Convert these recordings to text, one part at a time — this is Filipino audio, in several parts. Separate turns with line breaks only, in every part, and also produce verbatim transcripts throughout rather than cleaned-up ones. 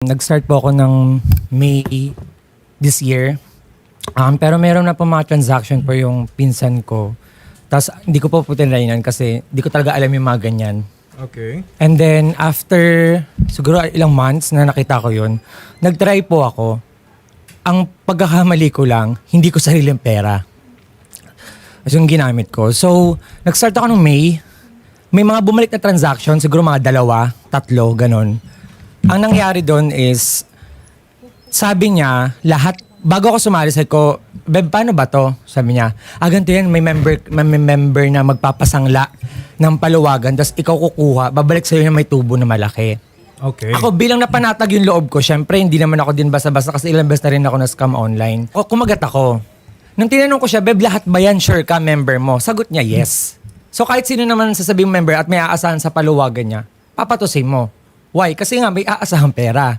Nag-start po ako ng May this year. Um, pero meron na po mga transaction po yung pinsan ko. Tapos hindi ko po po tinrainan kasi hindi ko talaga alam yung mga ganyan.
Okay.
And then after siguro ilang months na nakita ko yun, nag-try po ako. Ang pagkakamali ko lang, hindi ko sariling pera. Kasi yung ginamit ko. So, nag-start ako ng May. May mga bumalik na transaction, siguro mga dalawa, tatlo, ganon. Ang nangyari doon is, sabi niya, lahat, bago ako sumali, sabi ko, Beb, paano ba to? Sabi niya, ah, ganito yan, may member, may member na magpapasangla ng paluwagan, tapos ikaw kukuha, babalik sa'yo na may tubo na malaki.
Okay.
Ako bilang napanatag yung loob ko, syempre hindi naman ako din basta-basta kasi ilang beses na rin ako na-scam online. O kumagat ako. Nung tinanong ko siya, Beb, lahat ba yan sure ka member mo? Sagot niya, yes. So kahit sino naman sasabing member at may aasahan sa paluwagan niya, papatusin mo. Why? Kasi nga may aasahang pera.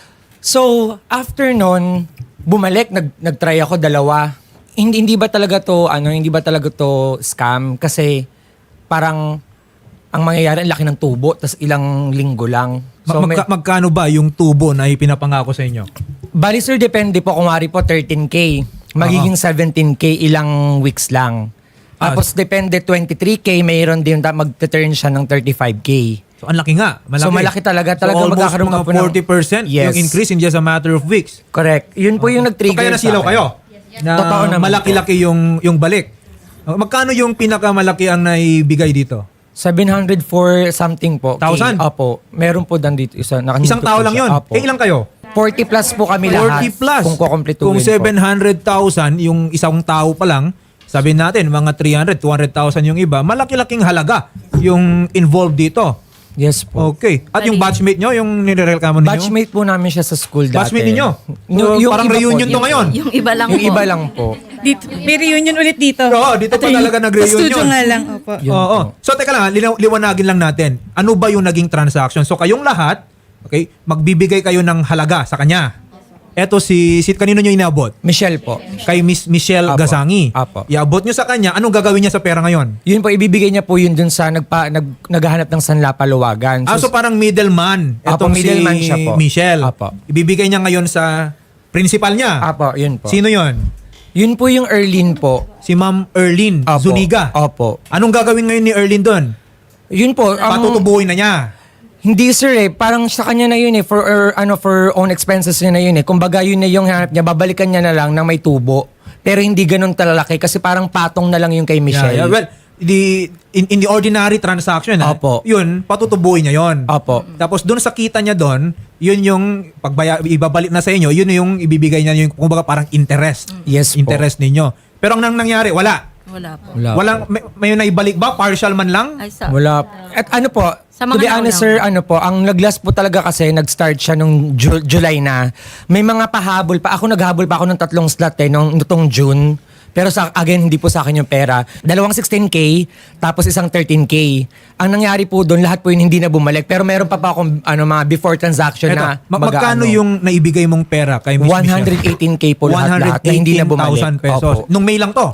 So after nun, bumalik, nag, nag-try ako dalawa. Hindi, hindi ba talaga to, ano, hindi ba talaga to scam? Kasi parang ang mangyayari, ang laki ng tubo, tas ilang linggo lang.
Ma- magka- magkano ba yung tubo na ipinapangako sa inyo?
Bali sir, depende po. Kung wari po thirteen K, magiging
Oo.
seventeen K ilang weeks lang.
Ah,
Tapos depende twenty-three K, mayroon din ta- mag-turn siya ng thirty-five K.
So, ang laki nga. Malaki.
So, malaki talaga. Talaga
so, almost
magkakaroon
mga
ka po ng-
forty percent
Yes.
yung increase in just a matter of weeks.
Correct. Yun po yung
So,
nag-trigger
kaya nasilaw
sa akin.
kayo? Na
Totoo naman
malaki-laki yung, yung balik. Uh, Magkano yung pinakamalaki ang naibigay dito?
seven hundred four something po.
Thousand?
K. Opo. Meron po dan dito. Isa,
Isang tao lang yun.
Opo.
Eh, ilang kayo?
forty plus po kami lahat.
forty plus.
Kung kukompletuhin
Kung
po.
seven hundred thousand yung isang tao pa lang, sabihin natin mga three hundred, two hundred thousand yung iba, malaki-laking halaga yung involved dito.
Yes po.
Okay. At yung batchmate nyo, yung nire-reklamo ninyo?
Batchmate po namin siya sa school dati.
Batchmate ninyo?
Yung,
So, parang
iba po,
reunion to
yung-
ngayon.
Yung iba lang
Yung
po.
iba lang po.
Dito, may reunion ulit dito.
Oo, dito pa
Attorney,
talaga nag-reunion.
sa studio nga lang, opo.
Yun
Oo.
po.
So teka lang, linaw- liwanagin lang natin. Ano ba yung naging transaction? So kayong lahat, okay, magbibigay kayo ng halaga sa kanya. Eto si, si kanino nyo inabot?
Michelle po.
Kay Miss Michelle
Apo.
Gasangi.
Apo.
Iabot nyo sa kanya, anong gagawin niya sa pera ngayon?
Yun po, ibibigay niya po yun dun sa nagpa, nag, naghahanap ng Sanla Paluwagan.
Ah, so parang middleman.
Apo,
Etong
middleman
si
siya po.
Michelle.
Apo.
Ibibigay niya ngayon sa principal niya.
Apo, yun po.
Sino yon?
Yun po yung Erlin po.
Si Ma'am Erlin
Apo.
Zuniga.
Opo.
Anong gagawin ngayon ni Erlin doon?
Yun po. ang-
Patutubuhin na niya.
Hindi sir eh, parang sa kanya na yun eh, for er, ano for own expenses niya na yun eh. Kumbaga yun na yung hanap niya, babalikan niya na lang ng may tubo. Pero hindi ganun talalaki kasi parang patong na lang yung kay Michelle.
Yeah, yeah. Well, the, in, in the ordinary transaction, ah,
Opo.
yun, patutubuhin niya yun.
Opo.
Tapos doon sa kita niya doon, yun yung pagbaya, ibabalik na sa inyo, yun yung ibibigay niya yung kumbaga parang interest.
Yes po.
Interest ninyo. Pero ang nang nangyari, wala.
Wala po.
Wala
Walang, may, may naibalik ba? Partial man lang?
Ay, sa,
Wala. At ano po,
Sa
to
mga
be honest
nauna.
sir, ano po, ang nag-last po talaga kasi, nag-start siya nung Ju- July na. May mga pahabol pa. Ako naghabol pa ako ng tatlong slot eh, nung nitong June. Pero sa again, hindi po sa akin yung pera. Dalawang sixteen K, tapos isang thirteen K. Ang nangyari po doon, lahat po yun hindi na bumalik. Pero meron pa pa akong ano, mga before transaction
Eto,
na
ma-
mag-
magkano
ano,
yung naibigay mong pera kay Miss
one
Michelle?
hundred eighteen K po lahat-lahat na hindi na bumalik.
one hundred eighteen thousand pesos.
Opo.
Nung May lang to?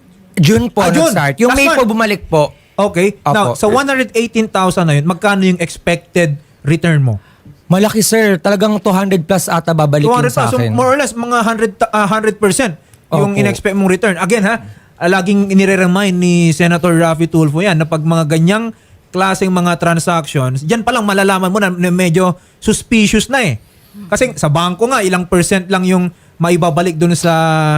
June po
Ah, June.
nag-start. Yung
Last
May
month.
po bumalik po.
Okay. Now,
Opo.
sa one hundred eighteen thousand na yun, magkano yung expected return mo?
Malaki sir, talagang two hundred plus ata babalikin
two hundred
sa
thousand.
akin.
So more or less, mga one hundred, ta- ah, one hundred percent yung
Opo.
in-expect mong return. Again ha, ah, laging inire-remind ni Senator Raffy Tulfo yan na pag mga ganyang klaseng mga transactions, dyan palang malalaman mo na, na medyo suspicious na eh. Kasi sa bangko nga, ilang percent lang yung maibabalik dun sa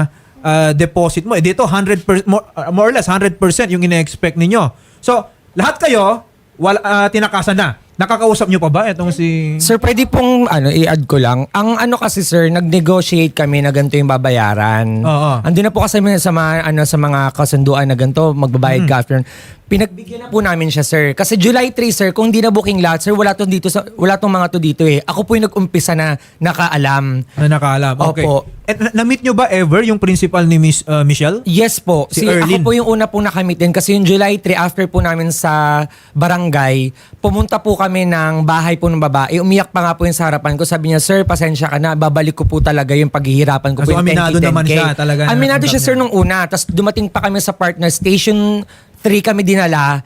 ah, deposit mo. Eh dito, one hundred percent, more, ah, more or less, one hundred percent yung ine-expect ninyo. So, lahat kayo, wala, ah, tinakasan na. Nakakausap nyo pa ba itong si...
Sir, pwede pong ano, i-add ko lang. Ang ano kasi sir, nag-negotiate kami na ganito yung babayaran.
Oo.
Andun na po kasi sa mga, ano, sa mga kasunduan na ganito, magbabayad
Hmm.
ka after. Pinagbigyan na po namin siya sir. Kasi July third sir, kung hindi na booking lahat sir, wala to dito sa, wala tong mga to dito eh. Ako po yung nag-umpisa na nakaalam.
Na nakaalam. Okay.
Opo.
And na- na-meet nyo ba ever yung principal ni Miss uh, Michelle?
Yes po.
Si
Si,
Erlyn.
ako po yung una pong nakamit din kasi yung July third after po namin sa barangay, pumunta po kami ng bahay po ng babae. Umiyak pa nga po yung sa harapan ko. Sabi niya, sir, pasensya ka na. Babalik ko po talaga yung paghihirapan ko
Ah,
po
so
yung
aminado
ten K, ten K.
naman siya talaga na
Aminado siya
natanggap
sir
niya.
nung una. Tapos dumating pa kami sa partner station three kami dinala.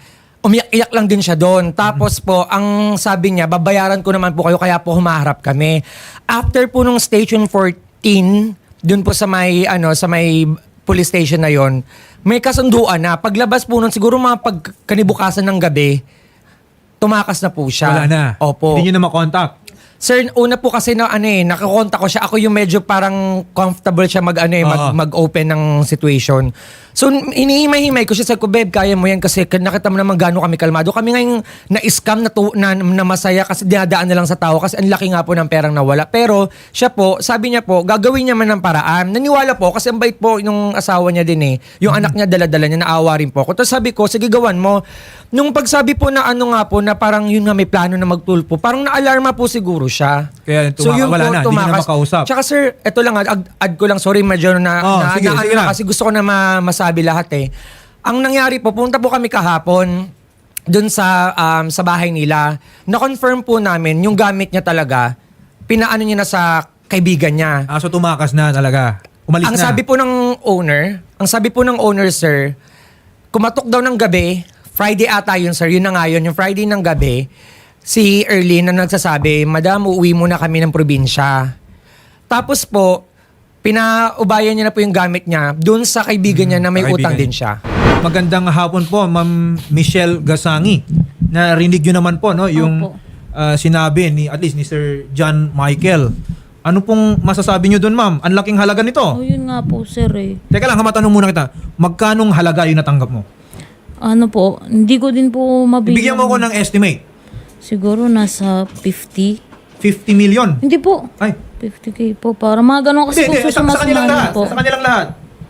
umiyak-iyak lang din siya doon. Tapos po, ang sabi niya, babayaran ko naman po kayo, kaya po humaharap kami. After po nung Station fourteen, doon po sa may, ano, sa may police station na yon, may kasunduan na. Paglabas po nun, siguro mga pagkanibukasan ng gabi, tumakas na po siya.
Wala na.
Opo.
Hindi nyo na makontakt.
Sir, una po kasi na ano eh, nakakontak ko siya. Ako yung medyo parang comfortable siya mag ano eh, mag,
Oo.
mag-open ng situation. So, hinihimay-himay ko siya. Sabi ko, babe, kaya mo yan kasi nakita mo naman gaano kami kalmado. Kami ngayong na-scam na, tu- na, na masaya kasi dinadaan na lang sa tao kasi ang laki nga po ng perang nawala. Pero siya po, sabi niya po, gagawin niya man ng paraan. Naniwala po kasi ang bait po yung asawa niya din eh. Yung anak niya dala-dala niya, naawa rin po ako. Tapos sabi ko, sige gawan mo. Nung pagsabi po na ano nga po, na parang yun nga may plano na magtulpo, parang na-alarma po siguro siya.
Kaya tuma- wala na, hindi niya na makausap.
Tsaka sir, eto lang, add, add ko lang, sorry, medyo na,
Oh,
na,
sige,
na,
sige
ano,
lang.
kasi gusto ko na ma- masabi lahat eh. Ang nangyari po, punta po kami kahapon dun sa um, sa bahay nila. Na-confirm po namin yung gamit niya talaga, pinaano niya na sa kaibigan niya.
Ah, so tumakas na talaga. Umalis
Ang
na.
sabi po ng owner, ang sabi po ng owner, sir, kumatok daw ng gabi, Friday ata yun, sir, yun na nga yun, yung Friday ng gabi, si Erlyn na nagsasabi, Madam, uuwi muna kami ng probinsya. Tapos po, pinaubayan niya na po yung gamit niya dun sa kaibigan niya na may
sa kaibigan
utang din
niya.
siya.
Magandang hapon po, Ma'am Michelle Gasangi. Narinig nyo naman po, no, yung
Opo.
ah, sinabi ni, at least ni Sir John Michael. Ano pong masasabi nyo doon, ma'am? Ang laking halaga nito.
Oh, yun nga po, sir eh.
Teka lang, matanong muna kita. Magkanong halaga yung natanggap mo?
Ano po, hindi ko din po mabilang.
Ibigyan mo ko ng estimate.
Siguro nasa fifty.
fifty million.
Hindi po.
Ay,
fifty k po. Para mga ganun kasi
hindi,
po
hindi. Sa, sa kanilang lahat.
po.
Sa kanilang lahat.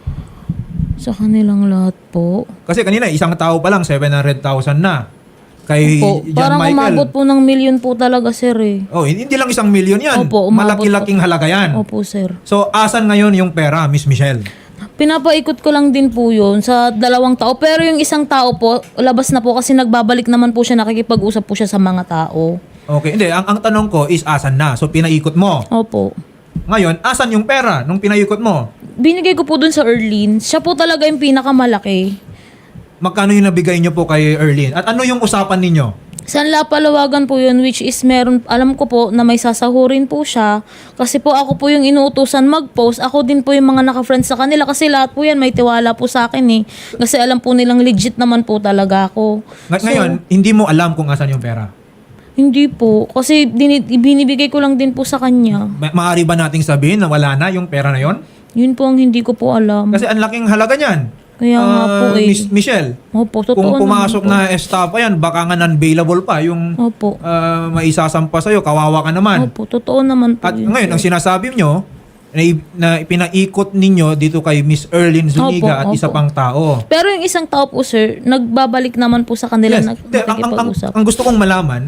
Sa kanilang lahat po.
Kasi kanina, isang tao pa lang, seven hundred thousand na. Kay
Opo.
John
Parang
Michael.
umabot po ng million po talaga, sir eh.
Oh, hindi lang isang million yan.
Opo, umabot
Malaki-laking
po.
halaga yan.
Opo, sir.
So, asan ngayon yung pera, Miss Michelle?
Pinapaikot ko lang din po yun sa dalawang tao. Pero yung isang tao po, labas na po kasi nagbabalik naman po siya, nakikipag-usap po siya sa mga tao.
Okay, hindi. Ang, ang tanong ko is asan na? So, pinaikot mo.
Opo.
Ngayon, asan yung pera nung pinaikot mo?
Binigay ko po dun sa Erlyn. Siya po talaga yung pinakamalaki.
Magkano yung nabigay nyo po kay Erlyn? At ano yung usapan ninyo?
San Lapalawagan po yun, which is meron, alam ko po na may sasahurin po siya. Kasi po ako po yung inuutusan mag-post. Ako din po yung mga naka-friends sa kanila. Kasi lahat po yan may tiwala po sa akin eh. Kasi alam po nilang legit naman po talaga ako.
Ng-
So,
ngayon, hindi mo alam kung asan yung pera.
hindi po. Kasi dini- binibigay ko lang din po sa kanya.
Ma- maaari ba nating sabihin na wala na yung pera na yon?
Yun po ang hindi ko po alam.
Kasi ang laking halaga niyan.
Kaya nga po
Ah,
eh.
Miss Michelle,
Opo, totoo
kung pumasok
naman po.
na estafa yan, baka nga non-bailable pa yung
Opo.
ah, maisasampa sa'yo, kawawa ka naman.
Opo, totoo naman po
At
yun,
ngayon,
sir.
ang sinasabi nyo, na, na pinaikot ninyo dito kay Miss Erlyn Zuniga
Opo,
at isa
opo.
pang tao.
Pero yung isang tao po, sir, nagbabalik naman po sa kanila.
Yes.
Nag-
Hindi, ang, ang, ang,
nakikipag-usap.
ang gusto kong malaman,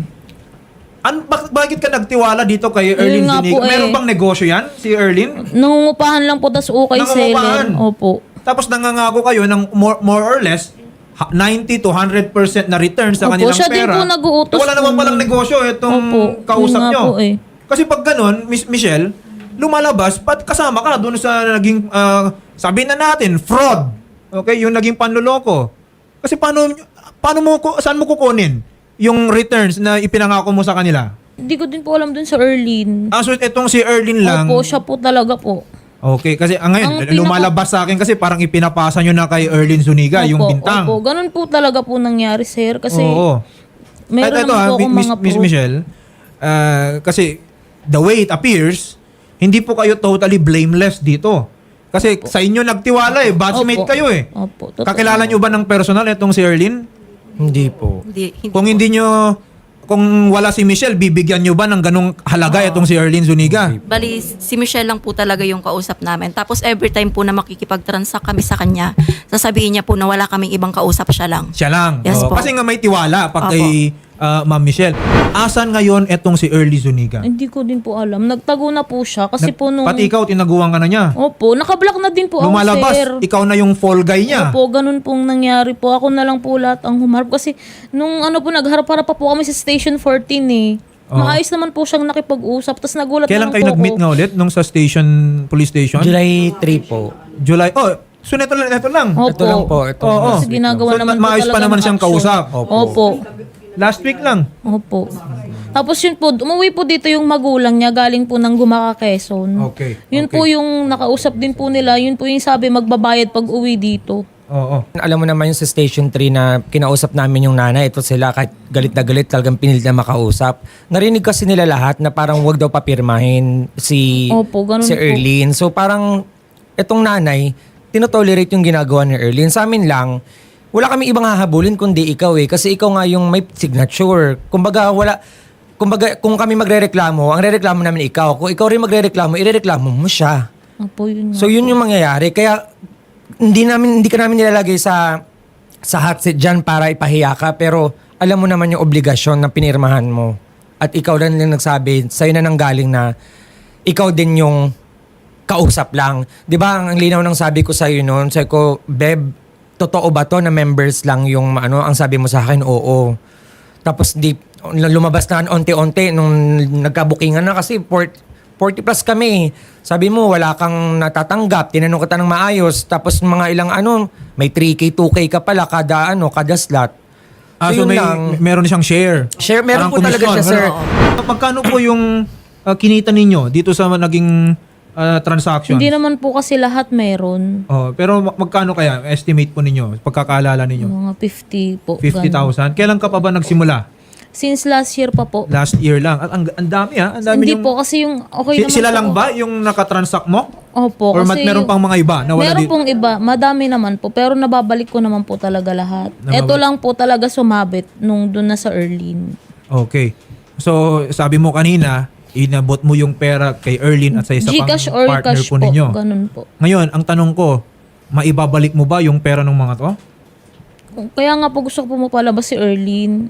an, bak- bakit ka nagtiwala dito kay Erlyn
nga
Zuniga?
po eh.
Meron bang negosyo yan, si Erlyn?
Nangungupahan lang po, tas ukay
Nangungupahan?
seller. Opo.
Tapos nangangako kayo ng more, more or less ha- ninety to one hundred percent na return sa
Opo,
kanilang
siya din
pera.
po nag-uutos
Eh, wala naman
po
palang
nun.
negosyo itong
Opo,
kausap
yun nga
nyo.
po eh.
Kasi pag ganun, Miss Michelle, lumalabas, pat kasama ka doon sa naging, ah, sabihin na natin, fraud. Okay, yung naging panloloko. Kasi paano, paano mo, ku- saan mo kukunin yung returns na ipinangako mo sa kanila?
Hindi ko din po alam dun sa Erlyn.
Ah, so itong si Erlyn lang.
Opo, siya po talaga po.
Okay, kasi ah, ngayon,
Ang pinaka-
lumalabas sa akin kasi parang ipinapasa nyo na kay Erlyn Zuniga, yung
Opo,
bintang.
Opo, ganun po talaga po nangyari, sir. Kasi
Oo.
meron
At ito,
naman
ah,
po akong
Miss,
mga
Miss
proof.
Michelle, ah, kasi the way it appears, hindi po kayo totally blameless dito. Kasi sa inyo nagtiwala eh, batchmate
Opo.
kayo eh.
Opo, totoo.
Kakilala nyo ba ng personal itong si Erlyn?
Hindi po.
Hindi, hindi
Kung
po.
hindi nyo, kung wala si Michelle, bibigyan nyo ba ng ganong halaga itong si Erlyn Zuniga?
Bali, si Michelle lang po talaga yung kausap namin. Tapos every time po na makikipag-transact kami sa kanya, sasabihin niya po na wala kaming ibang kausap, siya lang.
Siya lang.
Yes
Oo,
po.
kasi nga may tiwala pag
Opo.
kay ah, Ma'am Michelle. Asan ngayon itong si Erlyn Zuniga?
Hindi ko din po alam. Nagtago na po siya. Kasi
Nag-
po nung...
Pati ikaw, tinaguan ka na niya.
Opo, nakablock na din po ako,
Lumalabas,
sir.
ikaw na yung fall guy niya.
Opo, ganun pong nangyari po. Ako na lang po lahat ang humarap. Kasi nung ano po, nagharap-harap pa po kami sa Station fourteen eh.
Oo.
Maayos naman po siyang nakipag-usap. Tapos nagulat
Kailan
na lang
kayo
po
nag-meet
ako.
nga ulit nung sa station, police station?
July three po.
July. Oh, So, neto lang, neto lang.
Opo.
Ito lang po. Ito.
Oo.
Kasi ginagawa
So,
naman
ma- maayos
po
pa
talaga
naman
ng
siyang
action.
kausap.
Opo.
Opo.
Last week lang.
Opo. Tapos yun po, umuwi po dito yung magulang niya galing po ng Gumaka, Quezon.
Okay,
Yun
okay.
po yung nakausap din po nila. Yun po yung sabi magbabayad pag uwi dito.
Oo.
Alam mo naman yung sa Station three na kinausap namin yung nanay. Ito sila kahit galit na galit talagang pinilit na makausap. Narinig kasi nila lahat na parang wag daw papirmahin si,
Opo, ganun
si
po.
Erlene. So parang itong nanay, tinotolerate yung ginagawa ni Erlene. Sa amin lang, wala kami ibang hahabulin kundi ikaw eh. Kasi ikaw nga yung may signature. Kumbaga wala... Kumbaga, kung kami magrereklamo, ang rereklamo namin ikaw. Kung ikaw rin magrereklamo, irereklamo mo siya.
Opo, yun nga.
So yun yung mangyayari. Kaya hindi namin hindi ka namin nilalagay sa sa hot seat diyan para ipahiya ka, pero alam mo naman yung obligasyon na pinirmahan mo. At ikaw lang lang nagsabi, sa'yo na nanggaling na ikaw din yung kausap lang. 'Di ba? Ang linaw ng sabi ko sa iyo noon, sabi ko, Beb, totoo ba to na members lang yung ano, ang sabi mo sa akin, oo. Tapos di lumabas na onti-onti nung nagkabukingan na kasi forty plus kami. Sabi mo, wala kang natatanggap. Tinanong kita ng maayos. Tapos mga ilang ano, may three K, two K ka pala kada ano, kada slot.
Ah,
So,
so
yun
may,
lang.
meron siyang share.
Share, meron
Parang
po talaga
komisyon,
siya, sir.
meron. Magkano po yung ah, kinita ninyo dito sa naging ah, transaction?
Hindi naman po kasi lahat meron.
Oh, pero mag- magkano kaya estimate po ninyo, pagkakaalala ninyo?
Mga fifty po.
fifty
ganun.
thousand. Kailan ka pa ba nagsimula?
Since last year pa po.
Last year lang. At ang, ang dami ha. Ang dami
Hindi
yung,
po kasi yung okay
Si-
naman
sila
po.
lang ba yung nakatransact mo?
Opo.
Or mat,
kasi
meron
yung-
pang mga iba na wala
meron
di-
pong iba. Madami naman po. Pero nababalik ko naman po talaga lahat.
Nababalik.
Ito lang po talaga sumabit nung doon na sa Erlene.
Okay. So, sabi mo kanina, inabot mo yung pera kay Erlene at sa isa pang
Gcash or
partner
cash
po
po.
ninyo.
Ganun po.
Ngayon, ang tanong ko, maibabalik mo ba yung pera ng mga to?
Kaya nga po gusto ko po mapalabas si Erlene.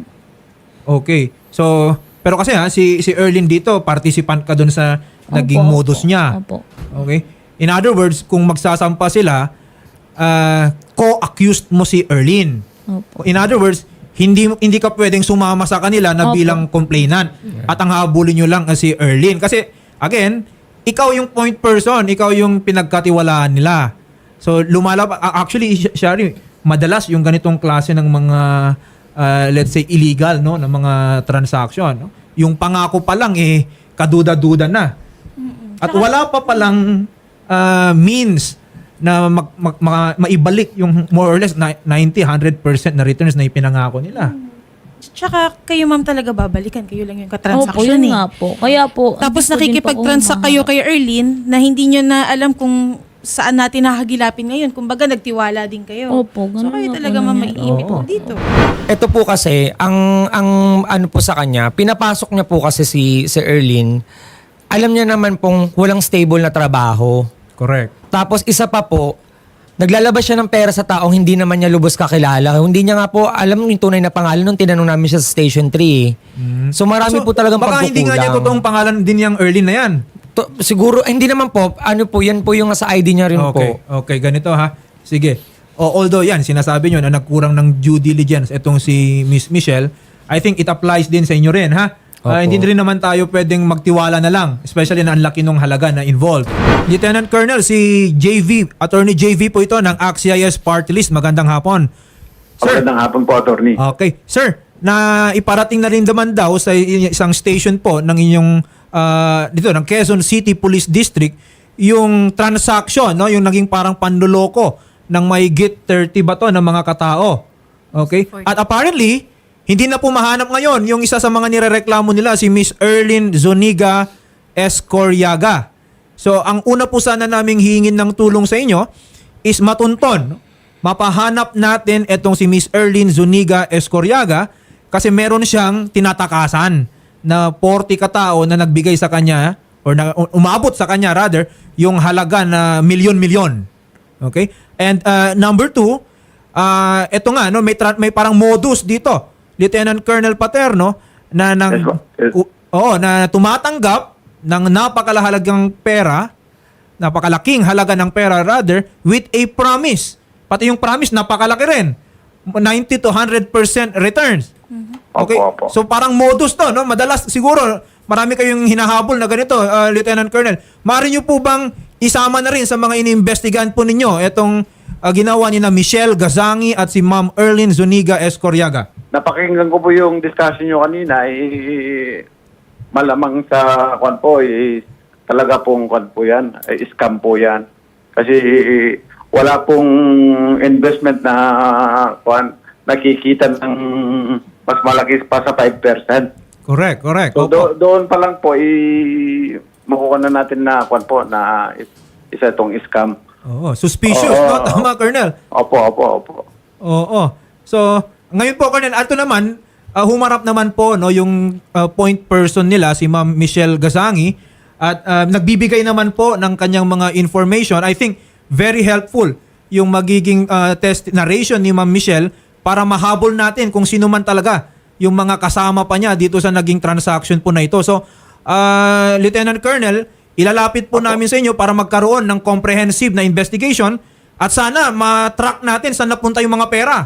Okay. So, pero kasi ha, si, si Erlene dito, participant ka dun sa naging
Opo,
modus
opo,
niya.
Opo.
Okay? In other words, kung magsasampa sila, ah, co-accused mo si Erlene.
Opo.
In other words, hindi hindi ka pwedeng sumama sa kanila na
Opo.
bilang complainant. At ang habulin nyo lang ay si Erlene. Kasi, again, ikaw yung point person, ikaw yung pinagkatiwalaan nila. So, lumalab... a- Actually, Sh- Shari, madalas yung ganitong klase ng mga, ah, let's say, illegal, no, ng mga transaction. No? Yung pangako pa lang, eh, kaduda-duda na. At wala pa palang ah, means na mag, mag- ma- maibalik yung more or less na- ninety, one hundred percent na returns na ipinangako nila.
Tsaka kayo ma'am talaga babalikan. Kayo lang yung
Opo,
katransaction
yun
eh.
nga po. Kaya po,
Tapos
hindi ko din po
nakikipag-transact
ako
kayo kay Erlene na hindi nyo na alam kung saan natin nakagilapin ngayon. Kumbaga nagtiwala din kayo.
Opo, ganun
So kayo
nga po
talaga ma'am
nangyari.
maiipit
Oo.
po dito.
Ito po kasi, ang, ang ano po sa kanya, pinapasok niya po kasi si, si Erlene, alam niya naman pong walang stable na trabaho.
Correct.
Tapos isa pa po, naglalabas siya ng pera sa taong hindi naman niya lubos kakilala. Hindi niya nga po alam yung tunay na pangalan nung tinanong namin siya sa Station three. So marami
So,
po talagang
baka
pagkukulang.
hindi nga niya totoong pangalan din yung Erlene na yan.
To- siguro, eh, hindi naman po. Ano po, yan po yung sa I D niya rin
Okay,
po.
okay, ganito ha. Sige. O, although yan, sinasabi nyo na nagkurang ng due diligence itong si Miss Michelle, I think it applies din sa inyo rin ha. Ah,
Opo.
hindi rin naman tayo pwedeng magtiwala na lang, especially na ang laki ng halaga na involved. Lieutenant Colonel, si J V, Attorney J V po ito ng A C C I S Party List. Magandang hapon. Sir,
Magandang hapon po, attorney.
okay. Sir, na iparating na rin naman daw sa i- isang station po ng inyong ah, dito ng Quezon City Police District yung transaction, no, yung naging parang panloloko ng may git thirty ba to ng mga katao. Okay? At apparently, hindi na po mahanap ngayon yung isa sa mga nirereklamo nila, si Miss Erlene Zuniga Escoriaga. So, ang una po sana naming hingin ng tulong sa inyo is matunton, no? Mapahanap natin itong si Miss Erlene Zuniga Escoriaga kasi meron siyang tinatakasan na forty katao na nagbigay sa kanya or na, umabot sa kanya rather yung halaga na milyon-milyon. Okay? And uh, number two, uh, ito nga, no, may, tra- may parang modus dito. Lieutenant Colonel Paterno na nang
Yes, ma'am. Yes.
u- oo, na tumatanggap ng napakahalagang pera, napakalaking halaga ng pera rather, with a promise. Pati yung promise napakalaki rin. ninety to one hundred percent returns. Okay?
Opo, opo.
So parang modus to, no? Madalas siguro marami kayong hinahabol na ganito, uh, Lieutenant Colonel. Maaari niyo po bang isama na rin sa mga iniimbestigahan po ninyo itong ah, ginawa ni na Michelle Gazangi at si Ma'am Erlyn Zuniga Escoriaga?
Napakinggan ko po yung discussion nyo kanina, eh, malamang sa kwan po, eh, talaga pong kwan po yan, eh, scam po yan. Kasi eh, wala pong investment na kwan, nakikita ng mas malaki pa sa five percent.
Correct, correct.
So
Opo.
do- doon pa lang po, eh, makukuha na natin na kwan po, na is- isa itong scam.
Oo, suspicious,
Oo.
no? Tama, Colonel.
Opo, opo, opo.
Oo. So, ngayon po, Colonel, ato naman, ah, humarap naman po no, yung ah, point person nila, si Ma'am Michelle Gazangi, at ah, nagbibigay naman po ng kanyang mga information. I think very helpful yung magiging ah, test narration ni Ma'am Michelle para mahabol natin kung sino man talaga yung mga kasama pa niya dito sa naging transaction po na ito. So, ah, Lieutenant Colonel, ilalapit po namin sa inyo para magkaroon ng comprehensive na investigation at sana ma-track natin saan napunta yung mga pera.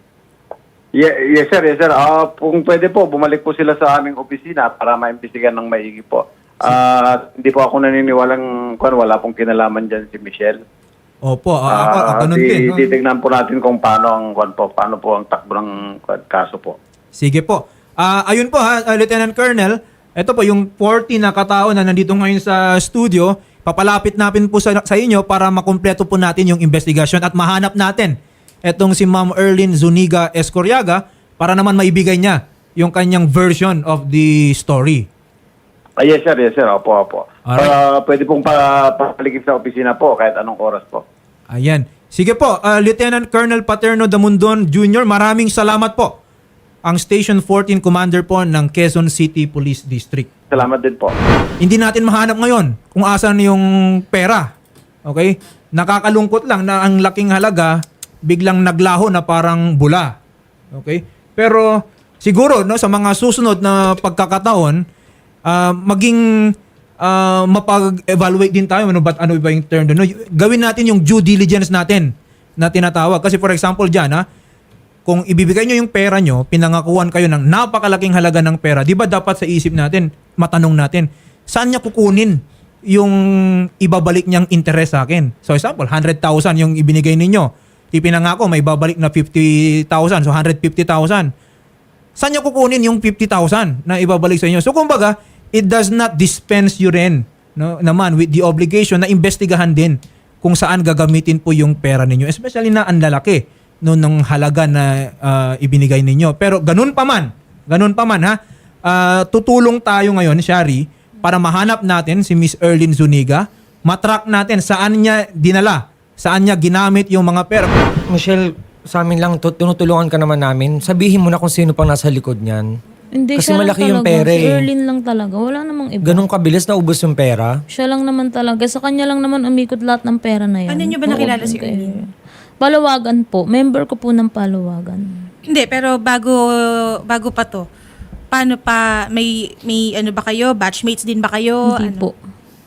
Ye- yes, sir. Yes, sir. Ah, kung pwede po, bumalik po sila sa aming opisina para maimbestigan ng maigi po. Ah, hindi po ako naniniwalang kung wala pong kinalaman dyan si Michelle.
Opo, ah, ako,
Ah,
ako ganun
di-
din. no?
Titignan po natin kung paano ang kwan po, paano po ang takbo ng kwan, kaso po.
Sige po. Ah, ayun po ha, ah, Lieutenant Colonel, ito po yung forty na katao na nandito ngayon sa studio, papalapit natin po sa, sa inyo para makumpleto po natin yung investigation at mahanap natin etong si Ma'am Erlyn Zuniga Escoriaga para naman maibigay niya yung kanyang version of the story.
Ah, yes, sir. Yes, sir. Opo, opo.
Alright.
Ah, pwede pong pa, papaligid sa opisina po kahit anong oras po.
Ayan. Sige po, ah, Lieutenant Colonel Paterno Damundon Junior, maraming salamat po. Ang Station fourteen Commander po ng Quezon City Police District.
Salamat din po.
Hindi natin mahanap ngayon kung asan yung pera. Okay? Nakakalungkot lang na ang laking halaga biglang naglaho na parang bula. Okay? Pero siguro no sa mga susunod na pagkakataon ah, maging ah, mapag-evaluate din tayo ano ba ano ba yung term doon. No? Gawin natin yung due diligence natin na tinatawag kasi for example diyan ha, kung ibibigay nyo yung pera nyo, pinangakuan kayo ng napakalaking halaga ng pera, di ba dapat sa isip natin, matanong natin, saan niya kukunin yung ibabalik niyang interest sa akin? So example, one hundred thousand yung ibinigay ninyo. Ipinangako, may babalik na fifty thousand, so one hundred fifty thousand. Saan niya kukunin yung fifty thousand na ibabalik sa inyo? So kumbaga, it does not dispense you rin no, naman with the obligation na investigahan din kung saan gagamitin po yung pera ninyo. Especially na ang lalaki no, ng halaga na ah, ibinigay ninyo. Pero ganun pa man, ganun pa man ha, ah, tutulong tayo ngayon, Shari, para mahanap natin si Miss Erlyn Zuniga, matrack natin saan niya dinala, saan niya ginamit yung mga pera.
Michelle, sa amin lang, tu- tinutulungan ka naman namin. Sabihin mo na kung sino pang nasa likod niyan.
Hindi,
Kasi
siya lang
malaki yung
talaga.
pera
Si
eh.
Erlyn lang talaga. Wala namang iba.
Ganong kabilis na ubos yung pera.
Siya lang naman talaga. Sa kanya lang naman umikot lahat ng pera na yan.
Ano niyo ba nakilala
Oo,
si
kay-
Erlyn?
Palawagan po. Member ko po ng Palawagan.
Hindi, pero bago bago pa to, paano pa, may, may ano ba kayo? Batchmates din ba kayo?
Hindi
Ano?
po.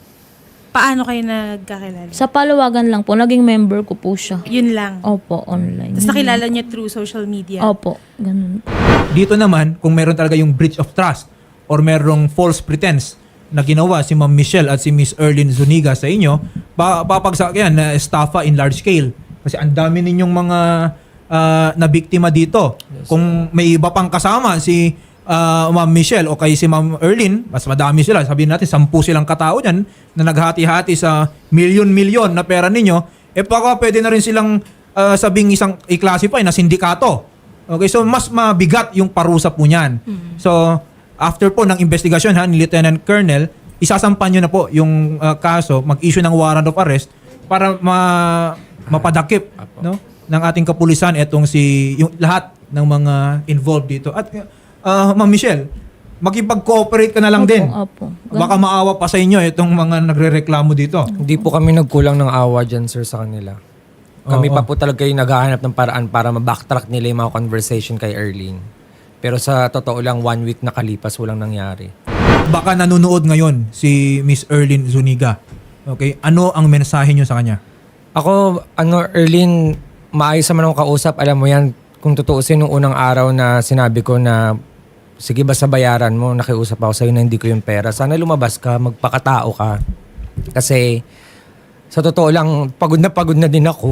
Paano kayo nagkakilala?
Sa Palawagan lang po. Naging member ko po siya.
Yun lang.
Opo, online.
Tapos nakilala niya through social media.
Opo, ganun po.
Dito naman, kung meron talaga yung breach of trust or merong false pretense na ginawa si Ma'am Michelle at si Miss Erlyn Zuniga sa inyo, pa papagsak yan na estafa in large scale. Kasi ang dami ninyong mga ah, na biktima dito. Kung may iba pang kasama si ah, Ma'am Michelle o kay si Ma'am Erlyn, mas madami sila. Sabihin natin, sampu silang katao dyan na naghati-hati sa milyon-milyon na pera ninyo. Eh baka pwede na rin silang ah, sabing isang i-classify na sindikato. Okay, so mas mabigat yung parusa po niyan. So, after po ng investigasyon ha, ni Lieutenant Colonel, isasampan nyo na po yung uh, kaso, mag-issue ng warrant of arrest para ma mapadakip no, ng ating kapulisan etong si yung lahat ng mga involved dito. At uh, Ma'am Michelle, makipag-cooperate ka na lang
Opo,
din.
opo.
Baka maawa pa sa inyo itong mga nagrereklamo dito.
Hindi po kami nagkulang ng awa dyan, sir, sa kanila. Kami
Oo.
pa po talaga yung naghahanap ng paraan para ma-backtrack nila yung mga conversation kay Erlyn. Pero sa totoo lang, one week nakalipas, walang nangyari.
Baka nanonood ngayon si Miss Erlyn Zuniga. Okay? Ano ang mensahe nyo sa kanya?
Ako, ano, Erlyn, maayos naman akong kausap. Alam mo yan, kung tutuusin nung unang araw na sinabi ko na sige, basta bayaran mo, nakiusap ako sa'yo na hindi ko yung pera. Sana lumabas ka, magpakatao ka. Kasi sa totoo lang, pagod na pagod na din ako.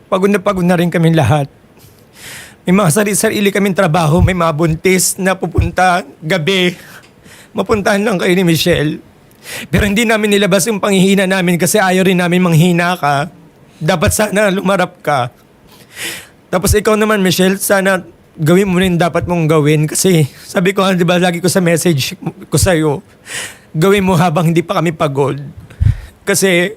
pagod na pagod na rin kami lahat. May mga sarili-sarili kaming trabaho, may mga buntis na pupunta gabi. Mapuntahan lang kayo ni Michelle. Pero hindi namin nilabas yung panghihina namin kasi ayaw rin namin manghina ka. Dapat sana lumarap ka. Tapos ikaw naman, Michelle, sana gawin mo rin dapat mong gawin. Kasi sabi ko, di ba, lagi ko sa message ko sa'yo, gawin mo habang hindi pa kami pagod. Kasi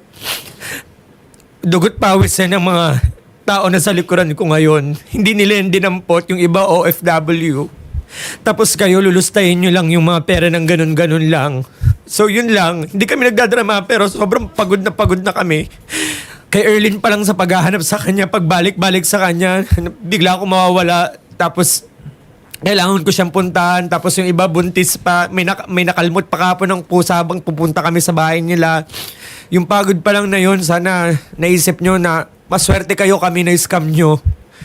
dugot pawis yan ng mga tao na sa likuran ko ngayon. Hindi nila yung dinampot, yung iba O F W. Tapos kayo, lulustayin nyo lang yung mga pera ng ganun-ganun lang. So yun lang, hindi kami nagdadrama pero sobrang pagod na pagod na kami. Kay Erlyn pa lang sa paghahanap sa kanya, pagbalik-balik sa kanya, bigla ako mawawala. Tapos kailangan ko siyang puntahan. Tapos yung iba buntis pa, may, nak- may nakalmot pa kapon ng pusa habang pupunta kami sa bahay nila. Yung pagod pa lang na yun, sana naisip nyo na maswerte kayo kami na scam nyo.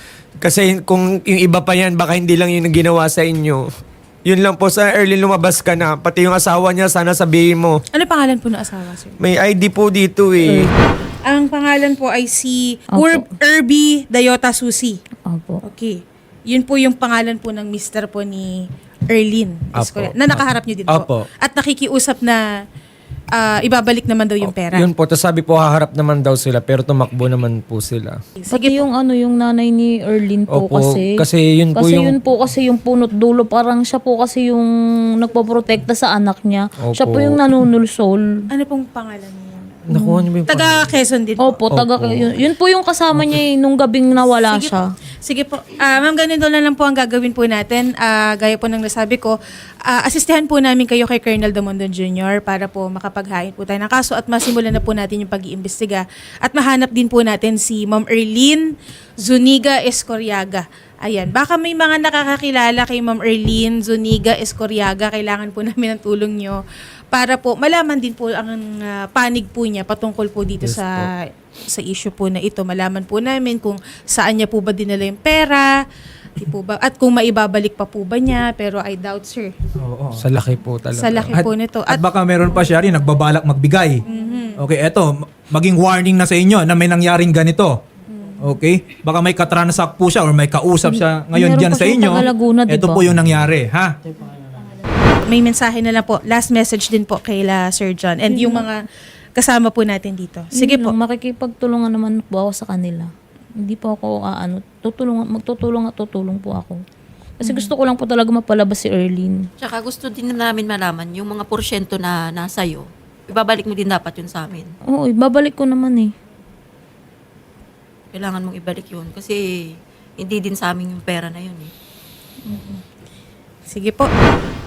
Kasi kung yung iba pa yan, baka hindi lang yung ginawa sa inyo. Yun lang po, sa early lumabas ka na. Pati yung asawa niya, sana sabihin mo.
Ano pangalan po ng asawa, sir?
May I D po dito eh.
Ang pangalan po ay si
Opo.
Urb Irby Dayota Susi.
Opo.
Okay. Yun po yung pangalan po ng mister po ni Erlyn. Is
Apo.
correct? Na nakaharap niyo din po.
Apo.
At nakikiusap na ah, ibabalik naman daw yung pera.
Yun po, tapos sabi po haharap naman daw sila pero tumakbo naman po sila.
Sige
Pati yung ano, yung nanay ni Erlyn po
Opo,
kasi.
kasi yun po
kasi
yung-
yun po kasi yung punot dulo. Parang siya po kasi yung nagpoprotekta sa anak niya. Siya po
Opo.
yung nanunulsol.
Ano pong pangalan niya?
Nakuha niyo ba yung
Taga Quezon din po.
Opo, taga, yun, yun po yung kasama niya eh, nung gabing nawala
Sige
siya.
po. Sige po. Ah, ma'am, ganun na lang po ang gagawin po natin. Ah, gaya po ng nasabi ko, ah, asistehan po namin kayo kay Colonel Damondon Junior para po makapaghain po tayo ng kaso at masimulan na po natin yung pag-iimbestiga. At mahanap din po natin si Ma'am Erlyn Zuniga Escoriaga. Ayan, baka may mga nakakakilala kay Ma'am Erlyn Zuniga Escoriaga. Kailangan po namin ng tulong nyo para po malaman din po ang ah, panig po niya patungkol po dito
Yes
sa sa issue po na ito. Malaman po namin kung saan niya po ba dinala yung pera, di po ba, at kung maibabalik pa po ba niya, pero I doubt, sir.
Oo.
Sa laki po talaga.
Sa laki po nito.
At,
At,
baka meron pa siya rin nagbabalak magbigay. Okay, eto, m- maging warning na sa inyo na may nangyaring ganito. Okay? Baka may katransak po siya or may kausap siya ngayon
Meron
dyan
pa
sa
siyang
inyo.
taga Laguna, di
Ito
ba?
po yung nangyari, ha?
may mensahe na lang po, last message din po kay la Sir John and yung mga kasama po natin dito. Sige
Yun
po.
lang, makikipagtulungan naman po ako sa kanila. Hindi po ako aano, tutulungan, magtutulong at tutulong po ako. Kasi gusto ko lang po talaga mapalabas si Erlyn.
Tsaka gusto din namin malaman yung mga porsyento na nasa iyo. Ibabalik mo din dapat yun sa amin.
Oo, babalik ko naman eh.
Kailangan mong ibalik yun kasi hindi din sa amin yung pera na yun eh.
Sige po.